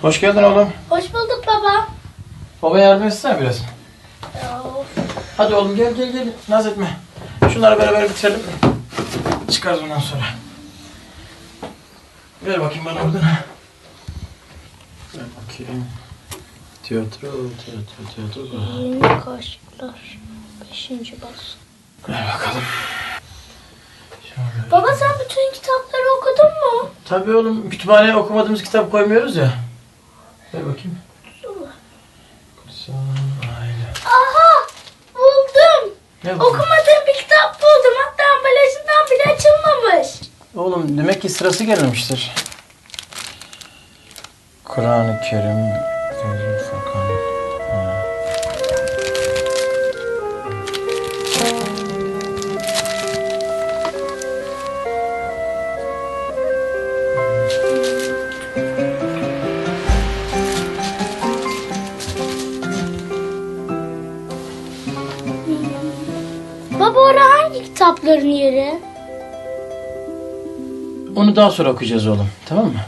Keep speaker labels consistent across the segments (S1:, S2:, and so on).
S1: Hoş geldin oğlum.
S2: Hoş bulduk baba.
S1: Baba yardım etsene biraz.
S2: Of.
S1: Hadi oğlum gel. Naz etme. Şunları beraber bitirelim. Çıkarız ondan sonra. Ver bakayım bana oradan. Ver bakayım. Tiyatro.
S2: Yeni kaşıklar. 5. baskı.
S1: Ver bakalım. Şöyle.
S2: Baba sen bütün kitapları okudun mu?
S1: Tabii oğlum, kütüphaneye okumadığımız kitap koymuyoruz ya. Ver bakayım. Kutsal Aile.
S2: Aha! Buldum.
S1: Ne bu?
S2: Okumadığım bir kitap buldum. Hatta ambalajından bile açılmamış.
S1: Oğlum demek ki sırası gelmemiştir. Kur'an-ı Kerim. Furkan. Ha.
S2: Baba orada hangi kitapların yeri?
S1: Onu daha sonra okuyacağız oğlum. Tamam mı?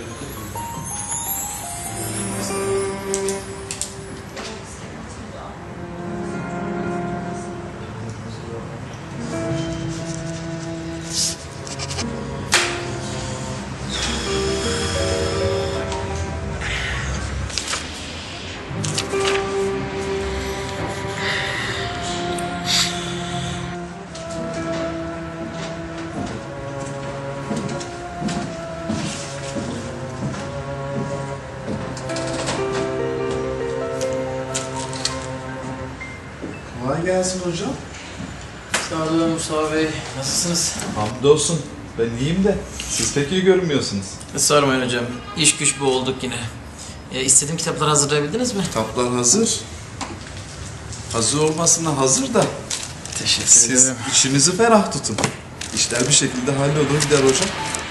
S3: Kolay gelsin hocam.
S1: Sağ olun Mustafa Bey. Nasılsınız?
S3: Hamdolsun. Ben iyiyim de siz pek iyi görünmüyorsunuz.
S1: Sormayın hocam. İş güç bu olduk yine. İstediğim kitapları hazırlayabildiniz mi?
S3: Kitaplar hazır. Hazır olmasına hazır da
S1: Teşekkür
S3: siz
S1: ederim.
S3: içinizi ferah tutun. İşler bir şekilde hallolur gider hocam.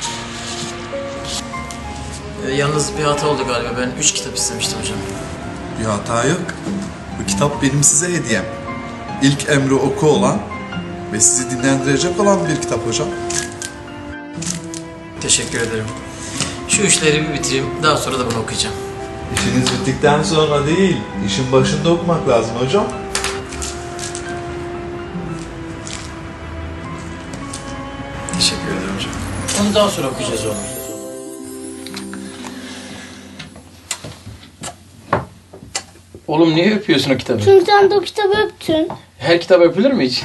S1: Yalnız bir hata oldu galiba. Ben 3 kitap istemiştim hocam.
S3: Bir hata yok. Bu kitap benim size hediyem. İlk emri oku olan ve sizi dinlendirecek olan bir kitap hocam.
S1: Teşekkür ederim. Şu işleri bir bitireyim. Daha sonra da bunu okuyacağım.
S3: İşiniz bittikten sonra değil, işin başında okumak lazım hocam.
S1: Teşekkür ederim hocam. Onu daha sonra okuyacağız oğlum. Oğlum niye öpüyorsun o kitabı?
S2: Çünkü sen de o kitabı öptün.
S1: Her kitap öpülür mü hiç?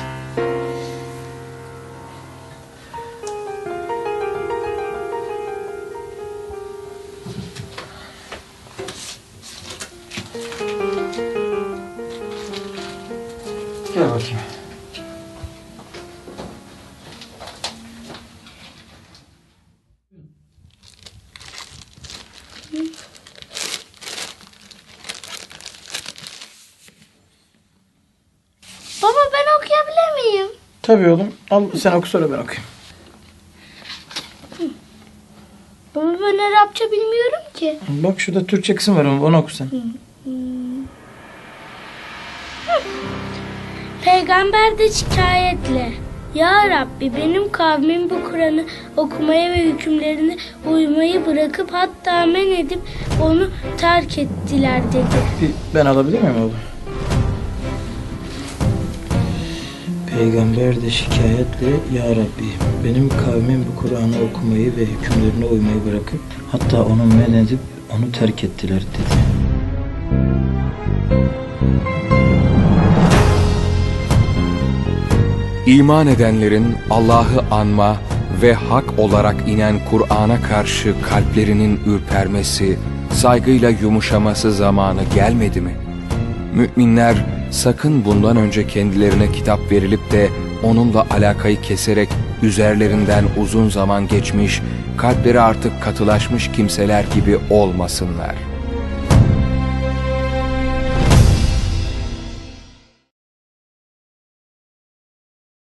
S1: Gel bakayım.
S2: Baba ben okuyabilir miyim?
S1: Tabii oğlum. Al sen oku sonra ben okuyayım.
S2: Baba ben Arapça bilmiyorum ki.
S1: Bak şurada Türkçe kısım var, onu oku sen.
S2: Peygamber de şikayetle: Ya Rabbi, benim kavmim bu Kur'an'ı okumaya ve hükümlerine uymayı bırakıp hatta men edip onu terk ettiler dedi.
S1: Ben alabilir miyim oğlum? Peygamber de şikayetle: Ya Rabbi, benim kavmim bu Kur'an'ı okumayı ve hükümlerine uymayı bırakıp hatta onu men edip onu terk ettiler dedi.
S4: İman edenlerin Allah'ı anma ve hak olarak inen Kur'an'a karşı kalplerinin ürpermesi, saygıyla yumuşaması zamanı gelmedi mi? Müminler sakın bundan önce kendilerine kitap verilip de onunla alakayı keserek üzerlerinden uzun zaman geçmiş, kalpleri artık katılaşmış kimseler gibi olmasınlar.